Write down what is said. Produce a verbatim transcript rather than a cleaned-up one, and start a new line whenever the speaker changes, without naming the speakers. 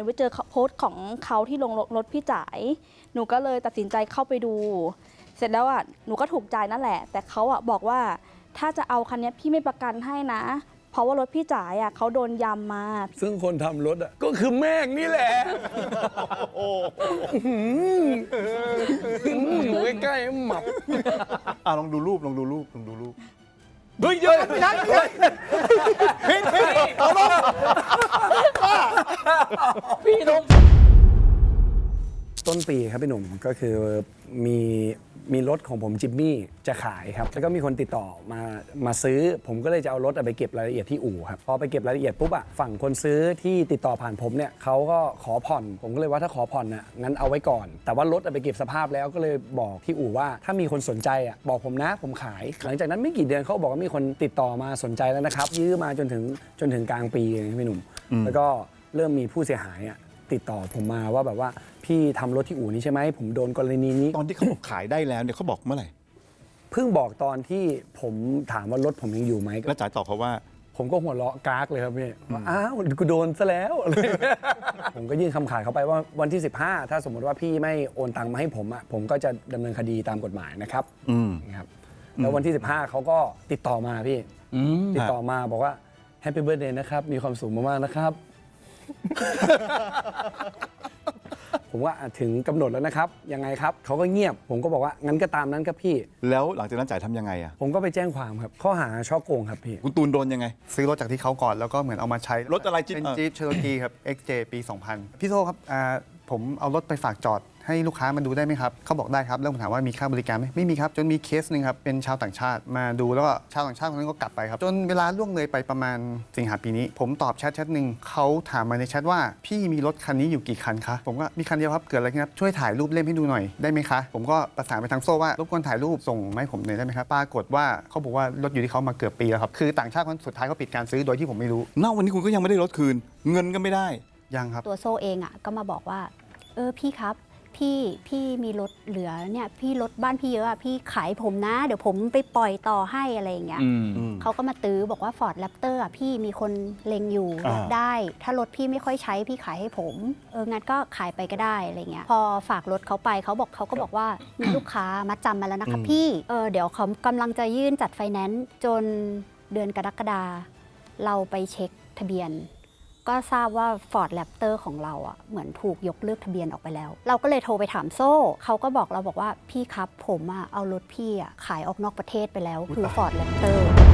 ไปเจอโพสต์ของเขาที่ลงรถพี่จ๋ายหนูก็เลยตัดสินใจเข้าไปดูเสร็จแล้วอ่ะหนูก็ถูกใจนั่นแหละแต่เขาอ่ะบอกว่าถ้าจะเอาคันนี้พี่ไม่ประกันให้นะเพราะว่ารถพี่จ๋ายอ่ะเขาโดนยำมา
ซึ่งคนทำรถอ่ะก็คือแม่งนี่แหละอยู่ใกล้ๆหมับ
อ่ะลองดูรูปลองดูรูปลองดูรูป
เฮ้ยเยอะไม่ได้พี่พี่เอาลงพี่ลงต้นปีครับพี่หนุ่มก็คือมีมีรถของผมจิมมี่จะขายครับแล้วก็มีคนติดต่อมามาซื้อผมก็เลยจะเอารถไปเก็บรายละเอียดที่อู่ครับพอไปเก็บรายละเอียดปุ๊บอะฝั่งคนซื้อที่ติดต่อผ่านผมเนี่ยเขาก็ขอผ่อนผมก็เลยว่าถ้าขอผ่อนน่ะงั้นเอาไว้ก่อนแต่ว่ารถไปเก็บสภาพแล้วก็เลยบอกที่อู่ว่าถ้ามีคนสนใจอะบอกผมนะผมขายหลังจากนั้นไม่กี่เดือนเขาบอกว่ามีคนติดต่อมาสนใจแล้วนะครับยื้อมาจนถึงจนถึงกลางปีเลยพี่หนุ่มแล้วก็เริ่มมีผู้เสียหายอะติดต่อผมมาว่าแบบว่าพี่ทำรถที่อู่นี้ใช่ไหมผมโดนกรณีนี้
ตอนที่เขาบอกขายได้แล้วเนี่ยเขาบอกเมื่อไหร่
เพิ่งบอกตอนที่ผมถามว่ารถผมยังอยู่ไหม
แล้วจ๋าตอบเขาว่า
ผมก็หัวเราะกากเลยครับพี่ว่าอ้าวกูโดนซะแล้วผมก็ยื่นคำขาดเขาไปว่าวันที่สิบห้าถ้าสมมติว่าพี่ไม่โอนตังค์มาให้ผมอ่ะผมก็จะดำเนินคดีตามกฎหมายนะครับนะครับแล้ววันที่สิบห้าเขาก็ติดต่อมาพี่ติดต่อมาบอกว่าแฮปปี้เบิร์ธเดย์นะครับมีความสุขมากๆนะครับผมว่าถึงกำหนดแล้วนะครับยังไงครับเขาก็เงียบผมก็บอกว่างั้นก็ตามนั้นครับพี่
แล้วหลังจากนั้นจ่ายทำยังไงอ่ะ
ผมก็ไปแจ้งความครับข้อหาช่อโกงครับพี่
คุณตูนโดนยังไง
ซื้อรถจากที่เขาก่อนแล้วก็เหมือนเอามาใช้
รถอะไรจิ๊บ
เป็นจี๊ปเชโรกีครับ เอ็กซ์ เจ ปี สองพัน พี่โซ่ครับผมเอารถไปฝากจอดให้ลูกค้ามาดูได้ไหมครับเขาบอกได้ครับแล้วผมถามว่ามีค่าบริการไหมไม่มีครับจนมีเคสหนึ่งครับเป็นชาวต่างชาติมาดูแล้วก็ชาวต่างชาติคนนั้นก็กลับไปครับจนเวลาล่วงเลยไปประมาณสิงหาปีนี้ผมตอบแชทแชทหนึ่งเขาถามมาในแชทว่าพี่มีรถคันนี้อยู่กี่คันคะผมก็มีคันเดียวครับเกิดอะไรขึ้นครับช่วยถ่ายรูปเล่มให้ดูหน่อยได้ไหมคะผมก็ประสานไปทางโซ่ว่ารบกวนถ่ายรูปส่งมาให้ผมหน่อยได้ไหมครับปรากฏว่าเขาบอกว่ารถอยู่ที่เขามาเกือบปีแล้วครับคือต่างชาติคนสุดท้ายเขาปิดการซื้อโดยที่ผมไม่รู้
ณวันนี้คุณก็ยังไม่ได้รถคืนเงินก็ไม่ได้
ยังครับ
ตัวโซ่เองอ่ะก็มาบอกว่าเออพี่ครับพี่พี่มีรถเหลือเนี่ยพี่รถบ้านพี่เยอะอะพี่ขายผมนะเดี๋ยวผมไปปล่อยต่อให้อะไรอย่างเงี้ยเขาก็มาตื้อบอกว่า Ford Raptor อ่ะพี่มีคนเล็งอยู่ได้ถ้ารถพี่ไม่ค่อยใช้พี่ขายให้ผมเอองั้นก็ขายไปก็ได้อะไรเงี้ยพอฝากรถเขาไปเขาบอกเขาก็บอกว่ามีลูกค้ามาจำมาแล้วนะคะพี่เออเดี๋ยวเขากำลังจะยื่นจัดไฟแนนซ์จนเดือนกรกฎาเราไปเช็คทะเบียนก็ทราบว่า Ford Raptor ของเราอ่ะเหมือนถูกยกเลิกทะเบียนออกไปแล้วเราก็เลยโทรไปถามโซ่เขาก็บอกเราบอกว่าพี่ครับผมอ่ะเอารถพี่อ่ะขายออกนอกประเทศไปแล้วคือ Ford Raptor